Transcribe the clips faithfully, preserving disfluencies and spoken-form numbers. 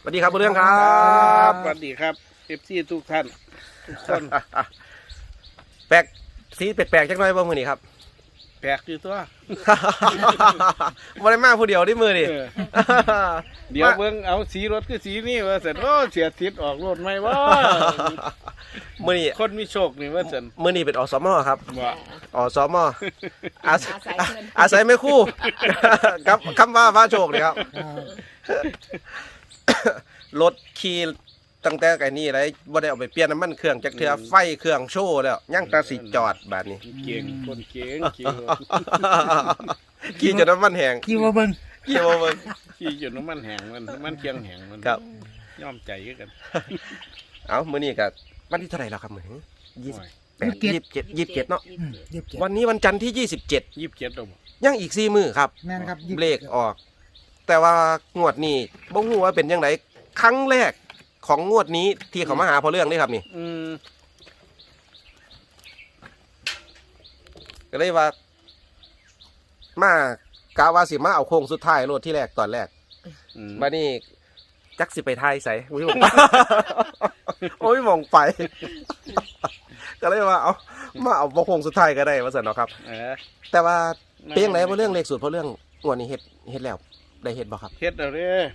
สวัสดีครับเรื่องครับสวัสดีครับเอฟซีทุกท่านทุกคนแปลกสีแปลกๆจังหน่อยบ่มือนี่ครับแปลกอยู่ตัวบ่ได้มาผู้เดียวที่มือนี่เออเดี๋ยวเบิ่งเอาสีรถคือสีนี่ว่าเสร็จโอ้เสียทิศออกรถไหมวะมือนี่คนมีโชคนี่ว่าเสร็จมือนี่เป็นอสมครับว่าอสมอาศัยอาศัยไม่คู่ ครับคำว่าฟ้าโชคเลยครับรถขี่ตั้งแต่ไก่นี่ไรบ่ได้เอาไปเปลี่ยนน้ำมันเครื่องจักเทือไฟเครื่องโชว์แล้วยังตาสิจอดแบบนี้เก่งคนเก่งขี่รถขี่จนน้ำมันแห้งกี่ว่าเบิ่งขี่มาเบิ่งขี่จนน้ำมันแห้งมันน้ำมันเคียงแห้งมันครับย่อมใจกันเอามื้อนี้ก็วันที่เท่าไหร่แล้วครับมื้อยี่สิบแปดยี่ยี่สิสิบบ เจ็ดเจ็ดยี่สิบเจ็ดเนาะอืมยี่สิบเจ็ดวันนี้วันจันทร์ที่ยี่สิบเจ็ดยี่สิบเจ็ดตัวยังอีกสี่มื้อครับแม่นครับยี่สิบเบรกออก แต่ว่างวดนี้บ่ฮู้ว่าเป็นยังไงครั้งแรกของงวดนี้ที่เขามาหาพอเรื่องนี่ครับนี่อืมก็เลยว่า มากาวาสิมาเอาโค้งสุดท้ายรถที่แรกตอนแรกอืมบัดนี้จักสิไปไทยใส่อุ้ยมอง โอ้ยมองไป ก็เลยว่าเอามาเอาโค้งสุดท้ายก็ได้ว่าซั่นเนาะครับเออแต่ว่าเป็นยังไงพอเรื่องเลขสูตรพอเรื่องงวดนี้เฮ็ดเฮ็ดแล้วได้เฮ็ดบ่ครับเฮ็ดเอาเด้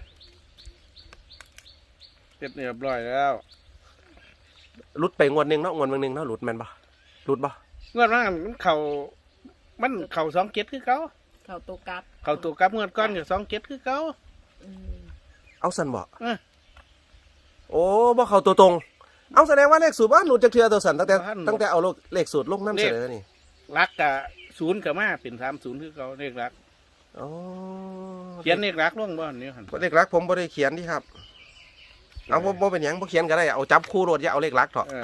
เฮ็ดเรียบร้อยแล้วหลุดไปงวดหนึงเนาะงวดหนึงเนาะหลุดแม่นบ่หลุดบ่เงื่อนว่ามันเข่ามันเข่าสองเก็ดคือเขาเขาตัวกลับเข่าตัวกลับเงื่อนก้อนกับสองเก็ดคือเขาอืมเอาซั่นบ่เออโอ้บ่เข้าตัวตรง เอาแสดงว่าเลขสูตรว่าหลุดจากเทือตัวสันตั้งแต่ตั้งแต่เอาเลขสูตรลงน้ำเสนอนี่รักกับศูนย์กับมาเป็นสามศูนย์คือเขาเลขรักอ๋อเขียนเลขรักล่วงบ่อนนี้หันเลขรักผมบ่ได้เขียนที่ครับ เอาบ่บ่เป็นหยังบ่เขียนก็ได้เอาจับคู่รถอย่าเอาเลขรักเถอะเออ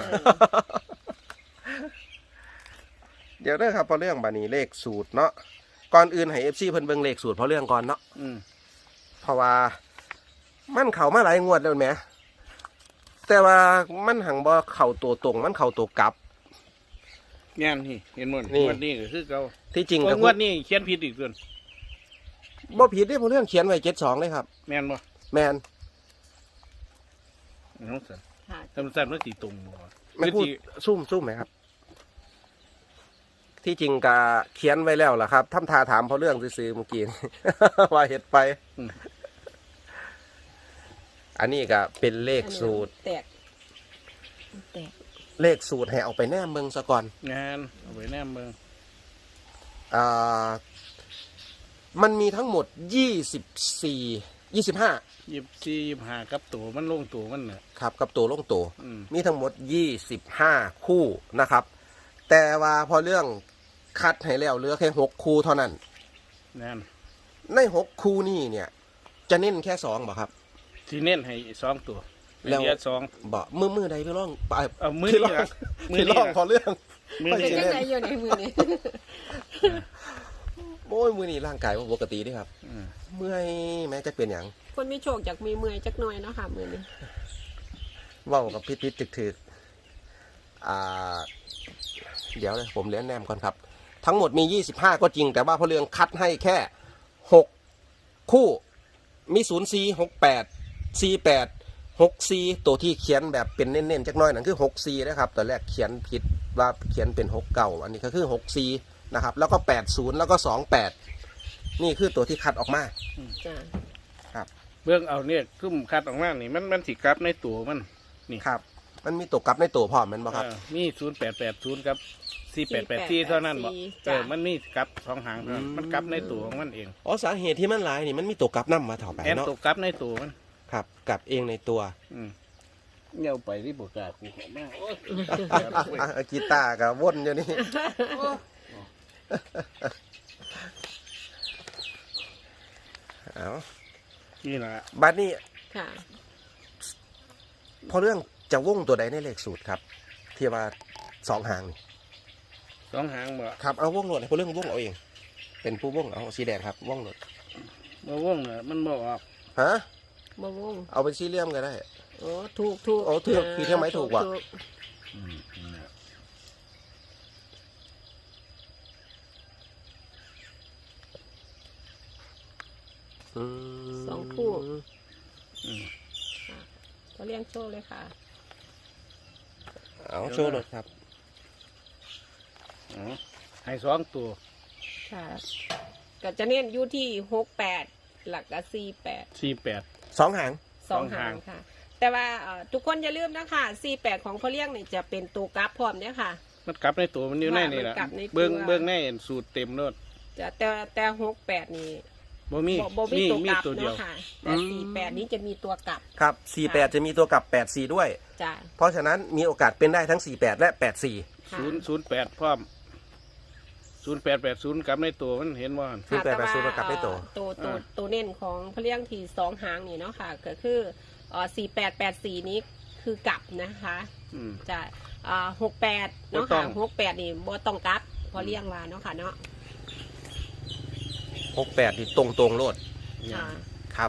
เดี๋ยวเด้อครับพอเรื่องบานี้เลขสูตรเนาะก่อนอื่นให้ เอฟ ซี เพิ่นเบิ่งเลขสูตรพอเรื่องก่อนเนาะอืมเพราะว่ามันเข้ามาหลายงวดแล้วแหมแต่ว่ามันหังบ่เข้าตัวตรงมันเข้าตัวกลับงานนี่เห็นหมดนี่งวดนี้ก็คือเขาที่จริงโอ้กับงวดนี้เขียนผิดอีกส่วนบ่ผิดเด้พอเรื่องเขียนไว้เจ็ดสองเลยครับแม่นบ่แม่นน้องสันค่ะทำสันว่าสีตรงบ่ไม่พูดคือสิซุ่มซุ่มไหมครับ ที่จริงกะเขียนไว้แล้วล่ะครับทำทาถามเพราะเรื่องซื้อๆเมื่อกี้ ว่าเห็ดไป อันนี้ก็เป็นเลขสูตรแตกแตกเลขสูตรให้เอาไปแนมเมืองซะก่อนงานเอาไว้แนมเมืองอ่ามันมีทั้งหมดยี่สิบสี่ยี่สิบห้ายี่สิบสี่ยี่สิบห้ากับตัวมันลงตัวมันน่ะครับ กับตัวลงตัวอืมมีทั้งหมดยี่สิบห้าคู่นะครับ แต่ว่าพอเรื่องคัดให้แล้วเหลือแค่หกคู่เท่านั้นงานในหกคู่นี่เนี่ย จะเน้นแค่สองบ่ครับที่เน้นให้สองตัวแล้วเหลือสองบ่มือมือใดไปร้องไปเอามือที่นี่ร้องล่ะมือที่นี่ร้องล่ะพอเรื่องมือเป็นนี่ยังไงอยู่ในมือนี้โอ้ยมือนี่ร่างกายว่าปกติเด้วยครับอืมเมื่อยแม้จะเป็นอย่างคนมีโชคจากมีเมื่อยจักหน่อยเนาะค่ะมือนี้เว่ากับพิษพิษถึกถึกๆอ่า เดี๋ยวเลยผมเลี้ยนแนมก่อนครับ ทั้งหมดมียี่สิบห้าก็จริง แต่ว่าพอเรื่องคัดให้แค่หกคู่มีศูนย์สี่หกแปดสี่แปดหกสี่ตัวที่เขียนแบบเป็นเน้นๆจักหน้อยนั่นคือหกสี่นะครับตอนแรกเขียนผิดว่าเขียนเป็นหกเก่าอันนี้ก็คือหกสี่นะครับ แล้วก็แปดศูนย์แล้วก็สองแปดนี่คือตัวที่คัดออกมาจ้ะเบื้องเอาเนี่ยคุ้มคัดออกมานี่มันมันสิกลับในตัวมันครับ มันมีตัวกลับในตัวพร้อมแมันบ่ครับเออมีศูนย์แปดแปดศูนย์ครับสี่แปดแปดสี่เท่านั้นบ่เอจ้ะอมันมีกลับสองหางเท่านั้นมันกลับในตัวของมันเองอ๋อสาเหตุที่มันหลายนี่มันมีตัวกลับนํมาเถ่าไปแอนเนาะตัวกลับในตัวมันครับกลับเองในตัวอืมเงี้ยวไปที่บกากูขอมาโอ้ยอ่ะกีตาร์กับวนอยู่นี่เอานี่แหละบัดนี้ค่ะพอเรื่องจะวงตัวใดในเลขสูตรครับ ที่ว่าสองหางนี่สองหางบ่ครับเอาวงโหลดให้พอเรื่องวงเอาเอง เป็นผู้วงเอาสีแดงครับวงโหลดบ่ว่องน่ะมันบ่ออกฮะมะม่วงเอาเป็นสี่เหลี่ยมก็ได้โอ้ถูกถูกโอ้ถูกคือเท่าไหมถูกว่ะอืมนั่นแหละอืมสองคู่อืมก็เลี้ยงโชว์เลยค่ะเอาโชว์รถครับอ๋อให้สองตัวค่ะก็จะเน้นอยู่ที่หกแปดหลักก็สี่แปดสี่แปดสองหางสองสองหาหาง งค่ะ แต่ว่าเอ่อทุกคนอย่าลืมนะคะสี่แปดของพ่อเลี้ยงนี่จะเป็นตัวกราฟพร้อมเนี่ยค่ะมันกลับในตัวมันอยู่ในนี่แหละมันกลับในตัวเบิ้งเบิ้งในสูตรเต็มรถจะแต่แต่หกแปดนี่บ่มีบ่บ่มีมีตัวมีกลับตัวเดียวเนาะค่ะแต่สี่แปดนี้จะมีตัวกลับครับสี่แปดจะมีตัวกลับแปดสี่ด้วยจ้ะเพราะฉะนั้นมีโอกาสเป็นได้ทั้งสี่แปดและแปดสี่ค่ะศูนย์ศูนย์แปดพร้อมศูนย์แปดแปดศูนย์กลับในตัวมันเห็นว่าศูนย์แปดแปดศูนย์กลับได้ตัวเอ่อตัวตัวตัวเน้นของพ่อเลี้ยงที่สองหางนี่เนาะค่ะ ก็คือเอ่อสี่แปดแปดสี่นี้คือกลับนะคะอืมจะอ่าหกแปดเนาะบ่ต้ค่ะองหกแปดนี่บ่ต้องกลับพอเลี้ยงว่าเนาะค่ะเนาะหกแปดนี่ตรงตรงๆโลดค่ะครับ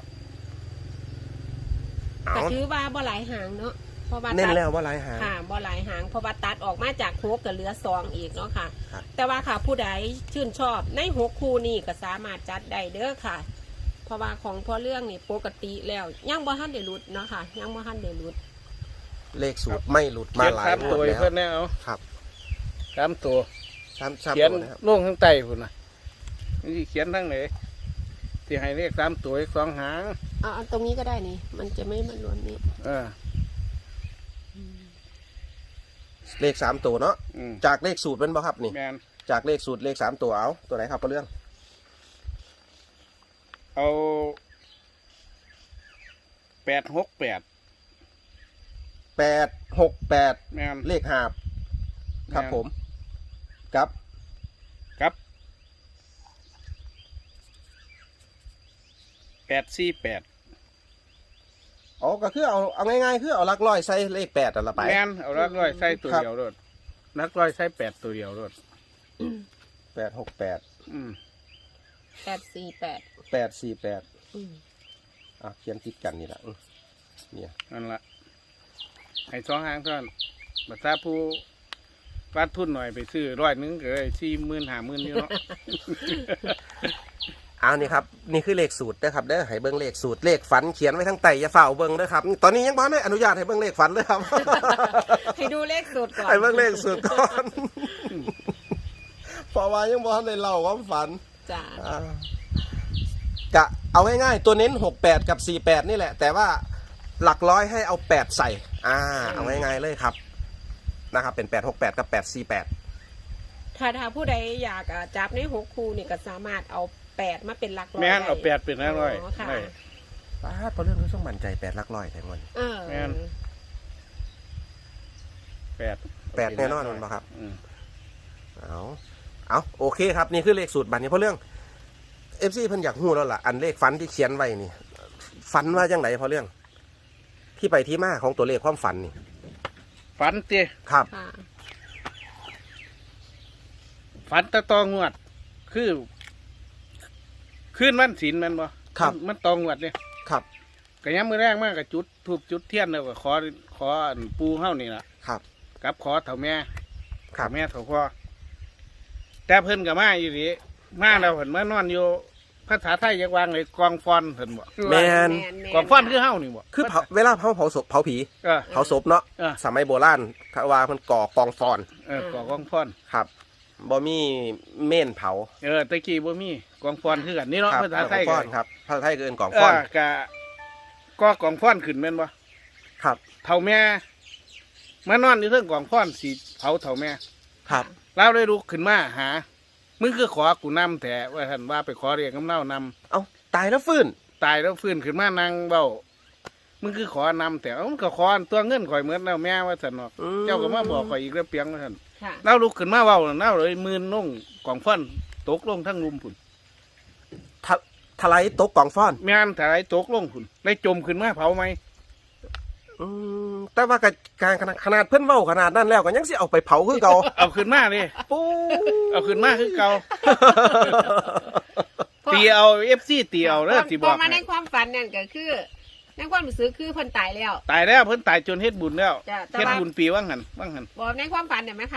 เอาก็ถือว่าบ่หลายหางเนาะเพราะว่าเน้นตัดแล้วว่าหลายหางค่ะบ่หลายหางเพราะว่าตัดออกมาจากหกก็เหลือสองอีกเนาะค่ะครับแต่ว่าค่ะผู้ใดชื่นชอบในหกคู่นี่ก็สามารถจัดได้เด้อค่ะ เพราะว่าของพ่อเรื่องนี่ปกติแล้วยังบ่ทันได้หลุดเนาะค่ะยังบ่ทันได้หลุดเลขสูตรไม่หลุดมาเขียนหลายสามงตัววดให้แล้วเพื่อนแน่เอาครับสามตัวสามสามเขียนตัวนะครับลงข้างใต้พุ่นนะนี่เขียนทั้งไหนที่ให้เลขสามตัวอีกสองหางเอาเอาตรงนี้ก็ได้นี่ มันจะไม่มารวมนี้เออเลขสามตัวเนาะอืมจากเลขสูตรเป็นบ่ครับนี่แมนจากเลขสูตรเลขสามตัวเอาตัวไหนครับพ่อเรื่องเอาแปดหกแปดแปดหกแปดแมนเลขหาบครับแม่นผมครับครับแปดสี่แปดอ๋อก็คือเอาเอาง่ายๆคือเอาหลักร้อยใส่เลขแปดอันละไปแมนเอารักร้อยใส่ตัวครับเดียวรถนักร้อยใส่แปดตัวเดียวรถแปดหกแปดอืมแปดสี่แปดแปดสี่แปดอืมอ่ะเขียนติดกันนี่แหละอืมเนี่ยนั่นละให้สองหางเท่านั้นบัตรผู้วัดทุนหน่อยไปซื้อร้อยหนึงก็เลยสี่หมื่นห้าหมื่นอยู่เนาะเอานี่ครับนี่คือเลขสูตรนะครับเด้อให้เบิ้งเลขสูตรเลขฝันเขียนไว้ทั้งไตอย่าฝ่าเอาเบิ้งเด้อครับตอนนี้ยังบ่ได้อนุญาตให้เบิ้งเลขฝันเลยครับให้ดูเลขสูตรก่อนให้เบิ้งเลขสูตรก่อน เพราะว่ายังบ่ทันได้เล่าความฝันจ้าอ่า กะเอาง่ายๆตัวเน้นหกแปดกับสี่แปดนี่แหละ แต่ว่าหลักร้อยให้เอาแปดใส่ อ่า เอาง่ายๆเลยครับนะครับเป็นแปดหกแปดกับแปดสี่แปดถ้าถ้าผู้ใดอยากอ่ะจับในหกคู่นี่ก็สามารถเอาแปดมาเป็นหลักร้อยแม่นได้เอาแปดเป็นห้าร้อยอ๋อค่ะได้ป้าดเพราะเรื่องนี้ต้องมั่นใจแปดหลักร้อยแต่งวันเออแม่น แปดแปดแน่นอนมันบ่ครับอืมเอาเอาโอเคครับนี่คือเลขสูตรบัตรนี้เพราะเรื่องเอฟซีเพิ่นอยากหู้แล้วล่ะอันเลขฝันที่เขียนไว้นี่ฝันว่าจังไหนเพราะเรื่อง ที่ไปที่มาของตัวเลขความฝันนี่ฝันเตี้ยครับค่ะฝันตะตองวด คือขึ้นวันศีลแมันบ่ครับมันมันตองวดเนี่ยครับก็ย้ำมือแรกมากกับจุดทูบจุดเทียนแล้วก็ขอขออันปูเฮ้านี่ล่ะครับกับขอเถ่าแม่ครัเถ่าบแม่เถ่าพ่อแต่เพิ่นกับมาอยู่ดีมาเราเพิ่นมานอนอยู่ภาษาไทยยังวางเลยกองฟอนเพิ่นบ่แมนแม่กองฟอนคือเฮ้านี่บ่คือเผาเวลาเผาเผาศพเผาผีเออเผาศพเนาะเออสมัยโบราณเขาว่ามันก่อกองฟอนเออกองฟอนครับบ่มีเม่นเผาเออตะกี้บ่มีกองฟอนคือกันนี่เนาะครับภาษาไทยกองฟอนครับภาษาไทยเกินกองเอฟอนอกะก็กองฟอนขึ้นแม่นบ่ครับเถ่าแม่มานอนอยู่เทิงกองฟอนสิเผาเถ่าแม่ครับเราได้ลุกขึ้นมาหา มึงคือขอกูนำแต่ว่าท่านว่าไปขอเรียกกำเน่านำเอาตายแล้วฟื้นตายแล้วฟื้นขึ้นมานั่งเบ้ามึงคือขอนำแต่เอ้ามันก็ขอตัวเงินข่อยเหมือนแล้วแม่ว่าสันเนาะอืมเจ้าก็มาบอกข่อยอีกแล้วเปียงว่าท่านค่ะเราลุกขึ้นมาเบ้าเราเลยมืนลงกองฟันตกลงทั้งลุมผุนทะทลายตกกองฟอนแม่นถ่ายตกลงผุนได้จมขึ้นมาเผาไหมอืมแต่ว่าก็การขนาดขนาดเพื่อนเว้าขนาดนั้นแล้วก็ยังสิเอาไปเผาคือเก่าเอาขึ้นมาเลยปูเอาขึ้นมาคือเก่าตีเอาเอฟซีตีเอาเด้อที่บพออก มาในให้ความฝันนั่นก็คือในความรู้สึกคือเพิ่นตายแล้วตายแล้วเพิ่นตายจนเฮ็ดบุญแล้วจ้ะแต่เฮ็ดว่าบุญปีว่างหันว่างหันบอกในความฝันเนี่ยไหมค่ะ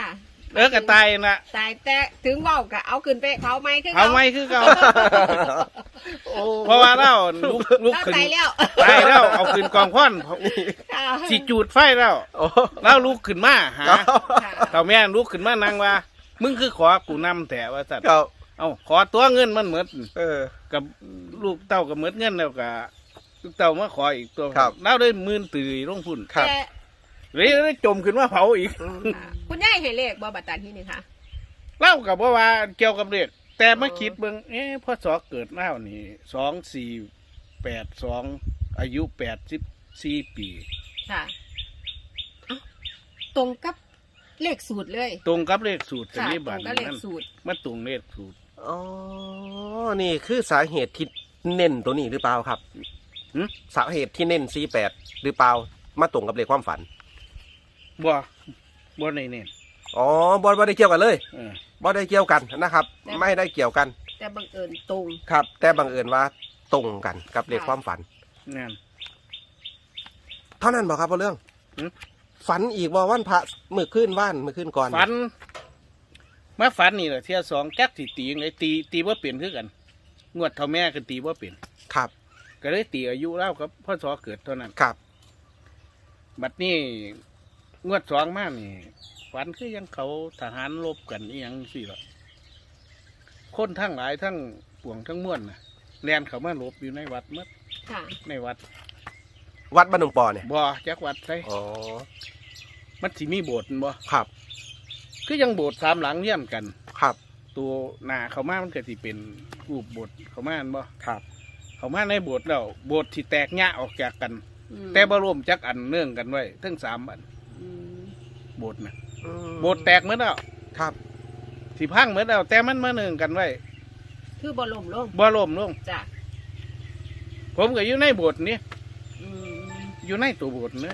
เออกระตายน่ะตายแต่ถึงเว้าก็เอาขึ้นไปเขาไหมคือเขาไม่คือเก่าเพราะว่าเราลุกลุกเราขึ้นตายแล้วตายแล้วเอาขึ้นกองควันค่ะสิจูดไฟแล้วโอ้แล้วลุกขึ้นมาหาค่ะเต่าแม่ลุกขึ้นมานั่งว่า มึงคือขอกูนำแต่ว่าสัตว์ครับเอาขอตัวเงินมันเหมือนเออกับลูกเต้ากับเหมือนเงินแล้วกับลูกเต้ามาขออีกตัวครับแล้วได้หมื่นตื่นลงพุ่นครับแต่เลยได้จมขึ้นมาเผาอีกค่ะคุณยายให้เลขบ่บัตรตาที่นี่ค่ะเล่ากับว่าว่าเกี่ยวกับเด็กแต่มาคิดเบิ่งเอ๊ะพ่อสอเกิดเล่านี่สองสี่แปดสองอายุแปดสิบสี่ปีค่ะเอ้าตรงกับเลขสูตรเลยตรงกับเลขสูตรสันค่ะนิตรบาตงกับเลขมันสูตรมันตรงเลขสูตรอ๋อ นี่คือสาเหตุที่เน้นตัวนี้หรือเปล่าครับหึสาเหตุที่เน้นสี่แปดหรือเปล่า มาตรงกับเลขความฝันบ่บ่ในเน้นอ๋อบอลบอได้เกี่ยวกันเลยเออบอได้เกี่ยวกันนะครับ ไม่ได้เกี่ยวกันแต่บังเอิญตรงครับ แต่บังเอิญว่าตรงกันกับเลขความฝันนั่นเท่านั้นบอกครับพ่อเรื่องหึฝันอีกว่าวันพระมือขึ้นว่านมือขึ้นก่อนฝันมาฝันนี่แหละเที่ยสองแก๊กตีตีไงตีตีว่าเปลี่ยนคือกัน งวดเท่าแม่ก็ตีว่าเปลี่ยนครับก็เลยตีอายุเล่าครับพ่อสอเกิดเท่านั้นครับบัดนี้งวดสองมานี่ฝันคือยังเขาทหารรบกันอีหยังสิล่ะคนทั้งหลายทั้งปวงทั้งม้วนนะแลนเขามาหลบอยู่ในวัดหมัดค่ะในวัดวัดบ้านหนองปอเนี่ยบ่จักวัดใช่อ๋อมันสิมีโบสถ์บ่ครับคือยังโบสถ์สามหลังเยี่ยมกันครับตัวหนาเขามามันก็สิเป็นรูปโบสถ์เขามาอันบ่ครับเขามาในโบสถ์แล้วโบสถ์ที่แตกแยะออกจากกันอืมแต่บ่รวมจักอันเนื่องกันไว้ทั้งสามอันอืมโบสถ์นะอืมโบสถ์แตกเหมือนแล้วครับสิพังเหมือนแล้วแต่มันมาเนื่องกันไว้คือบอลมลงบ่รวมลงจ้ะผมก็อยู่ในโบสถ์นี้อืมอยู่ในตัวโบสถ์เลย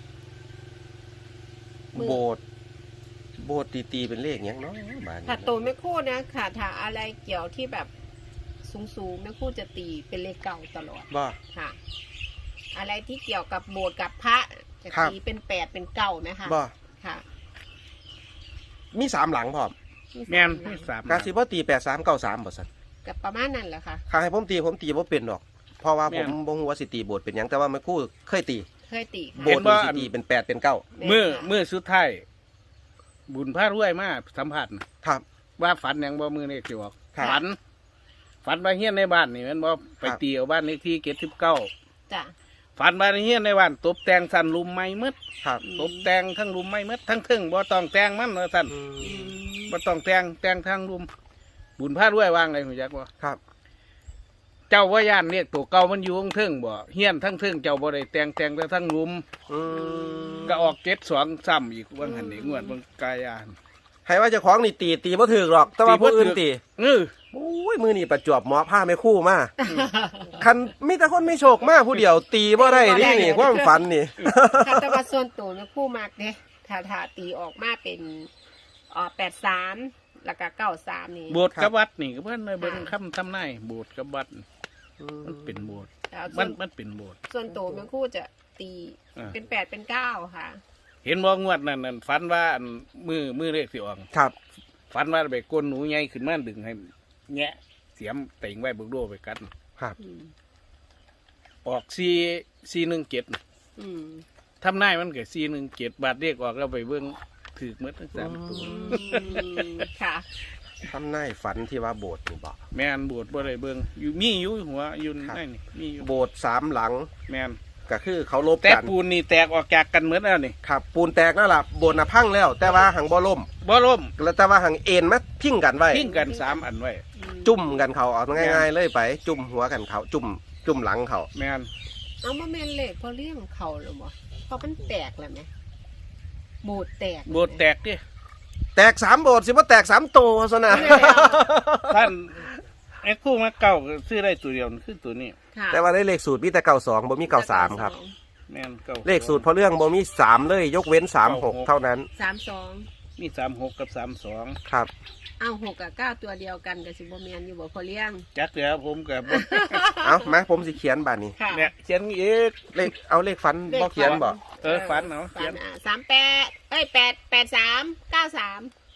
มือโบสถ์โบสถ์ตีตีเป็นเลขอย่างเนาะบ้านนี้ถ้าโตไม่คู่นะค่ะถ้าอะไรเกี่ยวที่แบบสูงๆไม่คู่จะตีเป็นเลขเก่าตลอดบ่ค่ะ อะไรที่เกี่ยวกับโบสถ์กับพระจะครับตีเป็นแปดเป็นเก้าไหมคะบ่ค่ะมีสามหลังพร้อมแม่นมีมีสามสามการสิบ่ตีแปดสามเก้าสามบ่สันกับประมาณนั้นแหละค่ะข้าให้ผมตีผมตีบ่เป็นดอก เพราะว่าผมแม่นบ่ฮู้ว่าสิตีโบสถ์เป็นหยังแต่ว่าแม่ครู่เคยตีเคยตีโบค่ะสถ์นี่สิตีเป็นแปดเป็นเก้าเมื่อเมื่อสุดท้ายบุญพระรวยมาสัมผัสน่ะครับว่าฝันหยังบ่มือเลขสิออกครับฝัน ฝันว่าเฮียนในบ้านนี่แมันบ่ไปครับตีเอาบ้านเลขที่เจ็ดสิบเก้าจ้ะฝันว่าเฮียนในบ้านตบแต่งสันลุมไม้มืดครับตบแต่งทั้งลุมไม้มืดทั้งทึ่งบ่ต้องแต่งมันว่าซั่นอือืมมบ่ต้องแต่งแต่งทั้งลุม บุญพระรวยวางไงหูจักบ่ครับเจ้าว่าย่านเรียกตัวเก่ามันอยู่ทั้งทึ่งบ่เฮียนทั้งทึ่งเจ้าบ่ได้แต่งแต่งแต่ทั้งลุมอืมก็ออกเก็ดสองซ้ำอีกว่าหันนี่งวดเบิ่งกายานให้ว่าเจ้าของนี่ตีตีบ่ถูกหรอก แต่ว่าตีบ่ผู้อื่นถูกตีเออโอ้ยมือนี่ประจวบเหมอผ้าแม่ครู่มาคันมีแต่คนไม่โชคมาผู้เดียวตีบ่ได้นี่นี่ความฝันนี่ค่ะแต่ว่าส่วนตัวไม่คู่มากเด้ถ้าถ้าตีออกมาเป็นเอ่อแปดสามแล้วก็เก้าสามนี่โบสถ์กับวัดนี่ก็เพิ่นเลยเบิ่งคำทำนายโบสถ์กับวัดมันเป็นโบสถ์แล้วส่มัวน นมันเป็นโบสถ์ส่วนตัวไม่คู่จะตีอ่าเป็นแปดเป็นเก้าค่ะเห็นบ่งวดนั่นนั่นฝันว่าอันมือมือเลขสิออกครับฝันว่าไปก้นหนูใหญ่ขึ้นมาดึงให้แงะเสียมเต่งไว้เบิกโดไปกันครับอืมออกสี่สี่หนึ่งเจ็ดอืมทำนายมันเกิดสี่หนึ่งเจ็ดบาทเรียกออกแล้วไปเบิ่งถือหมดทั้งสามตัวอืมค่ะทำนายฝันที่ว่าโบสถ์นี่บอกแม่นโบสถ์บ่ได้เบิ่งอยู่มีอยู่หัวอยู่ครับนั่นนี่มีอยู่โบสถ์สามหลังแม่นก็คือเขาลบแต่กันปูนนี่แตกออกจากกันเหมือนแล้วนี่ครับปูนแตกแล้วล่ะโบสถ์น่ะพังแล้ว แต่ว่าหังบ่ล่มบ่ล่มแล้วแต่ว่าหังเอ็นมาพิงกันไว้ทิ้งกันสามอันไว้จุ่มกันเขาเอาง่ายๆเลยไป จุ่มหัวกันเขาจุ่มจุ่มหลังเขาแม่นเอามาแม่นเลขพอเลี้ยงเขาหรือบ่เพราะมันแตกแล้วไหมโบดแตกโบสถ์แตกดิแตกสามโบสถ์สิว่าแตกสามโตซะนะท่านไอ้คู่มาเก่าก็ซื้อได้ตัวเดียวคือตัวนี้ค่ะแต่ว่าได้เลขสูตรมีแต่เก่าสองบ่มีเก่าสามครับแม่นเก่าเลขสูตรเพราะเรื่องบ่มีสามเลย ยกเว้นสามหกเท่านั้นสามสองมีสามหกกับสามสองครับเอาหกกับเก้าตัวเดียวกันกับสิบแมนอยู่บ่พอเลี้ยงจักแล้วผมกับเอามาผมสิเขียนบาดนี้ค่ะเนี่ยเขียนอีกเลขเอาเลขฟันบ่เขียนบ่เออฝันเอาเขีฝัยนนอ่ะสามแปดเอ้ยแปดแปดสามเก้าสาม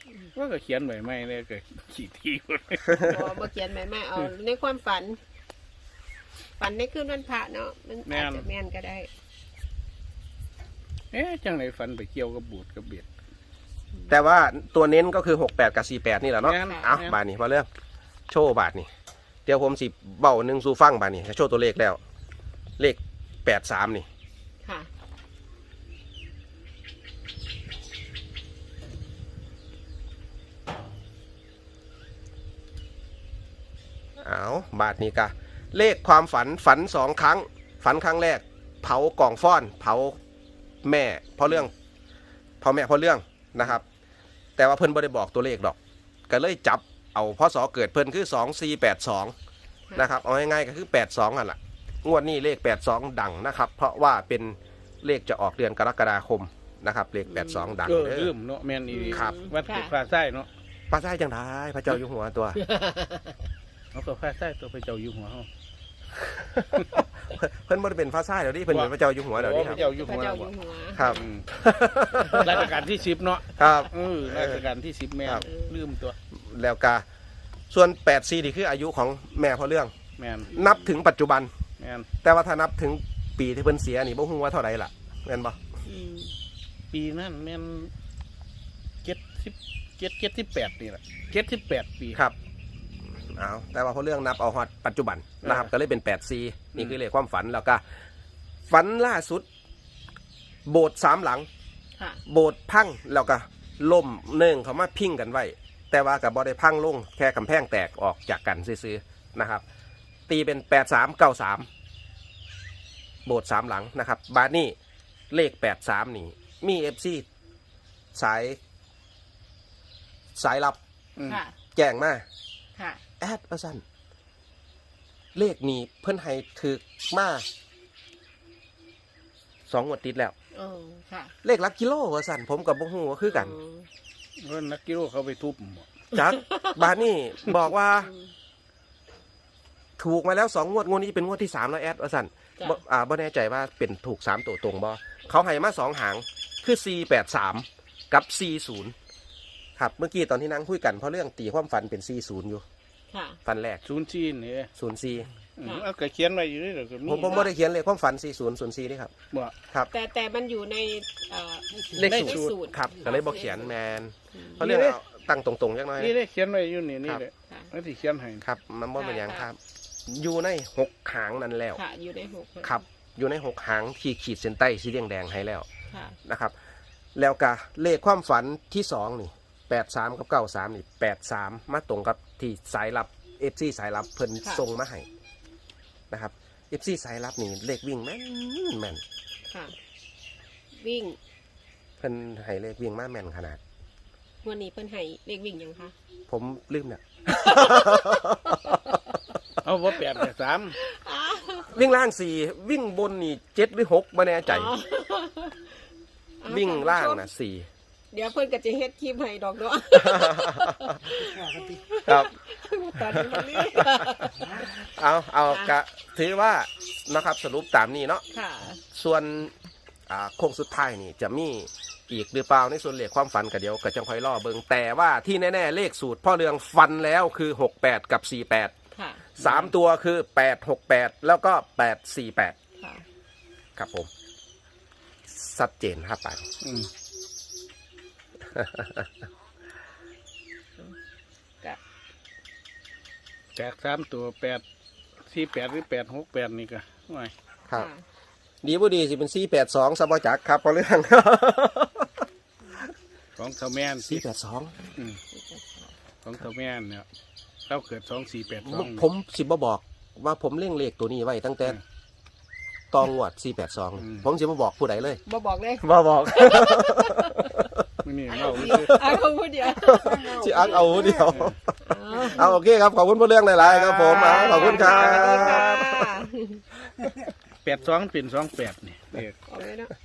ว่าก็เขียนไว้ไม่เลยก็ขี่ทีคนบ่บ่เขียนแม่แม่เอาในความฝัน ฝันในคืนวันพระเนาะมันอาจจะแม่นก็ได้เอ๊ะจังไหนฝันไปเกี่ยวกับบูดกับเบียดแต่ว่าตัวเน้นก็คือหกแปดกับสี่แปดนี่แหละเนาะแม่นเอาแม่นบาทนี่พอเรื่องโชว์บาทนี่เดี๋ยวผมสิเบ้าหนึ่งสู่ฟังบาทนี่โชว์ตัวเลขแล้ว เลขแปดสามนี่ค่ะเอาบาทนี้กะเลขความฝันฝันสองครั้ง ฝันครั้งแรก เผากล่องฟ้อน เผาแม่เพราะเรื่องเผาแม่เพราะเรื่องนะครับ แต่ว่าเพิ่นบ่ได้บอกตัวเลขดอก ก็เลยจับเอาพศเกิดเพิ่นคือสองสี่แปดสองนะครับเอาง่ายๆก็คือแปดสองอ่ะล่ะงวดนี้เลขแปดสองดังนะครับ เพราะว่าเป็นเลขจะออกเดือนกรกฎาคมนะครับเลขแปดสองดังเออเด้ลือมเนาะแม่นอีครับวัดค่ะฟ้าไส้เนาะพระไส้จังได้พระเจ้าอยู่หัวตัวเอาก็ฟ้าไส้ตัวไปเจ้าอยู่หัวเฮาเพิ่นบ่ได้เป็นพระไส้เดี๋ยวนี้เพิ่นเป็นพระเจ้าอยู่หัวเดี๋ยวนี้โอ้คไปรับเจ้าอยู่พระหัวเจ้าอยู่หัวครับอืมราชการที่สิบเนาะครับเออราชการที่สิบแม่นครับลืมตัวแล้วก็ส่วนแปดสี่นี่คืออายุของแม่เพราะเรื่องแม่นนับถึงปัจจุบันแม่นแต่ว่าถ้านับถึงปีที่เพิ่นเสียนี่บ่ฮู้ว่าเท่าไหร่ล่ะแม่นบ่อืมปีนั้นแม่นเจ็ดสิบเจ็ดเจ็ดสิบแปดนี่แหละเจ็ดสิบแปดปีครับเอาแต่ว่าเพราะเรื่องนับเอาฮอดปัจจุบันนะครับเออก็เลยเป็นแปดสี่นี่คือเลขความฝันแล้วก็ฝันล่าสุด โบสถ์สามหลังค่ะโบสถ์พังแล้วก็ล่มเนื่องเขามาพิงกันไว้ แต่ว่ากับบ่ได้พังลงแค่กำแพงแตกออกจากกันซื้อๆนะครับ ตีเป็นแปดสามเก้าสามโบสถ์สามหลังนะครับ บาทนี่เลขแปดสามนี่ มีเอฟซีสาย สายลับอืมค่ะแจ้งมาค่ะแอดว่าสั้นเลขนี้เพิ่นให้ถึกมาสองงวดติดแล้วโอ้ค่ะเลขหลักกิโลว่าสั้นผมกับบ่ฮู้ว่าคือกันอืมเพิ่นนักกิโลเขาไปทุบหมดจัก บาทนี่บอกว่าอืมถูกมาแล้วสองงวดงวดนี้เป็นงวดที่สามแล้วแอดว่าสั้นจ้ะบ่อ่าบ่แน่ใจว่าเป็นถูกสามตัวตรงบ่เขาให้มาสองหางคือสี่แปดสามกับสี่ศูนย์ครับเมื่อกี้ตอนที่นั่งคุยกันเพราะเรื่องตีความฝันเป็นสี่ศูนย์อยู่ค่ะฝันแรกศูนย์จีนนี่ศูนย์สี่อืมเอาก็เขียนไว้อยู่นี่เดี๋ยวก็มีผมผมไม่ได้เขียนเลยความฝันสี่ศูนย์ศูนย์สี่นี่ครับบ่ครับแต่แต่มันอยู่ในเอ่อเลขในสูสูตตรรครับก็เลยบอกเขียนแมนอืมเพราะเรื่องเอาตั้งตรงๆจังน้อยนี่นะได้เขียนไว้อยู่นี่นี่ครับเลยค่ะแล้วที่เขียนให้ครับมันบ่เป็นอย่างครับ อยู่ในหกหางนั่นแล้วค่ะ อยู่ในหกครับ อยู่ในหกหางที่ขีดเส้นใต้สีแดงแดงๆให้แล้วค่ะนะครับ แล้วก็เลขความฝันที่สองนี่แปดสามกับเก้าสามนี่แปดสามมาตรงกับที่สายลับเอฟซีสายลับเพิ่นส่งมาให้นะครับเอฟซีสายลับนี่เลขวิ่งแม่นแม่นค่ะ วิ่งเพิ่นให้เลขวิ่งมาแม่นขนาดวันนี้เพิ่นให้เลขวิ่งยังคะผมลืมเนี่ยเอาบ่แปดแต่สามวิ่งล่างสี่วิ่งบนนี่เจ็ดหรือหกไม่แน่ใจอ๋อวิ่งล่างนะสี่เดี๋ยวเพิ่นก็จะเฮ็ดคลิปให้ดอกเนาะครับตอนนี้มันนี่เอาเอากะถือว่านะครับสรุปตามนี้เนาะค่ะส่วนอ่าโค้งสุดท้ายนี่จะมีอีกหรือเปล่าในส่วนเลขความฝันก็เดี๋ยวก็จังค่อยล่อเบิงแต่ว่าที่แน่ๆเลขสูตรพ่อเรืองฟันแล้วคือหกแปดกับสี่แปดค่ะสามตัวคือแปดหกแปดแล้วก็แปดสี่แปดค่ะครับผมชัดเจนครับไปอืมกะแปดสามตัวแปดสี่แปดหรือแปดหกแปดนี่ก็ว่าครับค่ะดีบ่ดีสิเป็นสี่แปดสองสบจักครับพ่อเรื่องของเท่าแมนสี่แปดสองอืมของเท่าแมนเนี่ยเราเกิดสองสี่แปดสองผมสิบ่บอกว่าผมเล่งเลขตัวนี้ไว้ตั้งแต่ตองวดสี่แปดสองผมสิบ่บอกผู้ใดเลยบ่บอกเลยบ่บอกไม่นี่เราอ่ะเขาพูดเดียวสิอักเอาเดียวอ๋อเอาโอเคครับขอบคุณผู้เรื่องหลายๆครับผมอ่ะขอบคุณครัสวัสดีค่ะบแปดสองเป็นสองแปดนี่เด็กออกเลยเนาะ